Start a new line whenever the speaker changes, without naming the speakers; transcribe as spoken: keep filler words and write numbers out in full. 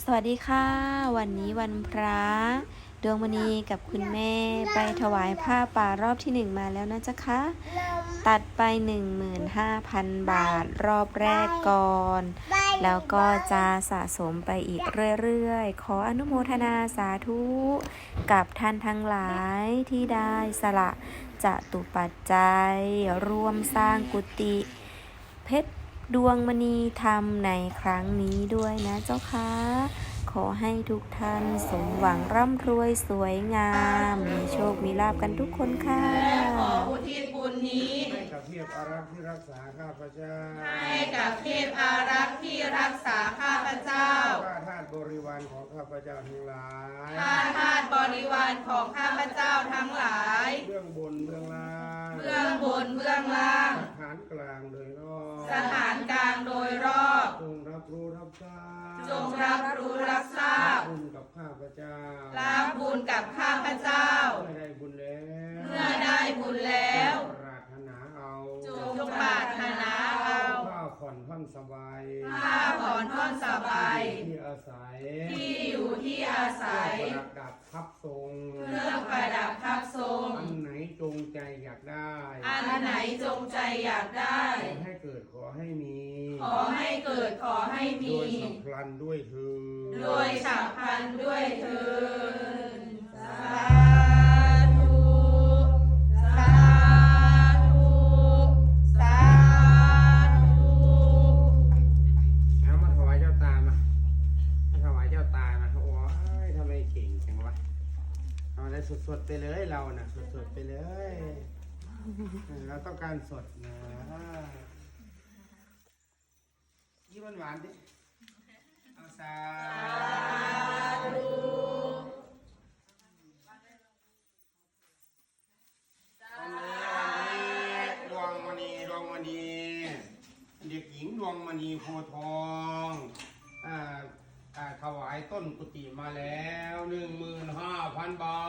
วัสดีค่ะวันนี้วันพระดวงมณีกับคุณแม่ไปถวายผ้าป่ารอบที่หนึ่งมาแล้วนะจ๊ะคะตัดไป หนึ่งหมื่นห้าพัน บาทรอบแรกก่อนแล้วก็จะสะสมไปอีกเรื่อยๆขออนุโมทนาสาธุกับท่านทั้งหลายที่ได้สละจตุปัจจัยร่วมสร้างกุฏิเพชรดวงมณีธรรมในครั้งนี้ด้วยนะเจ้าค่ะขอให้ทุกท่านสมหวังร่ำรวยสวยงามมีโชคมีลาภกันทุกคนค่ะ
ขออุทิศบุญนี้
ให้กับเทพอารักษ์ที่รักษาข้าพเจ้า
ให้กับเทพอารักษ์ที่รักษาข้าพเจ้า
ข้าทาสบริวารของข้าพเจ้าทั้งหลาย
ข้าทาสบริวารของข้าพเจ้าทั้งหลาย
เบื้องบนเบื้องล่าง
เบื้องบนเบื้องล่าง
สถานกลางโดยรอบ
สถานกลางโดยรอบ
จงรับรู้รับทราบ
จงรับรู้รับทราบ
บุญกับข้าพเจ้า
รับบุญกับข้าพเจ้า
เมื่อได้บุญแล้ว
เมื่อได้บุญแล้ว
ปรารถนาเอา
จงปรารถนาเอา
ข้าผ่อนท่อนสบาย
ข้าผ่อนท่อนสบาย
ที่อาศัย
ที่อยู่ที่อาศัย
ประดับทับทรง
เครื่องประดับทับทรง
อันไหนจงใจอยากได้
อันไหนจงใจอยากได้
ขอให้เกิดขอให้มี
ขอให้เกิดขอให้มี
โดยฉับพลันด้วยเถิด
โดยฉับพลันด้วยเถิดสาธุสาธุสาธุ
เอามาถวายเจ้าตามามาถวายเจ้าตามาโอ้ยทำไมเก่งจังวะเอาได้สดๆไปเลยเราน่ะสดๆไปเลยเราต้องการสดนะยี่หวานๆดิเอาสาธุวันนี้ดวงมณีดวงมณีเด็กหญิงดวงมณีโพทองอ่าอ่าถวายต้นกุฏิมาแล้วหนึ่งหมื่นห้าพันบา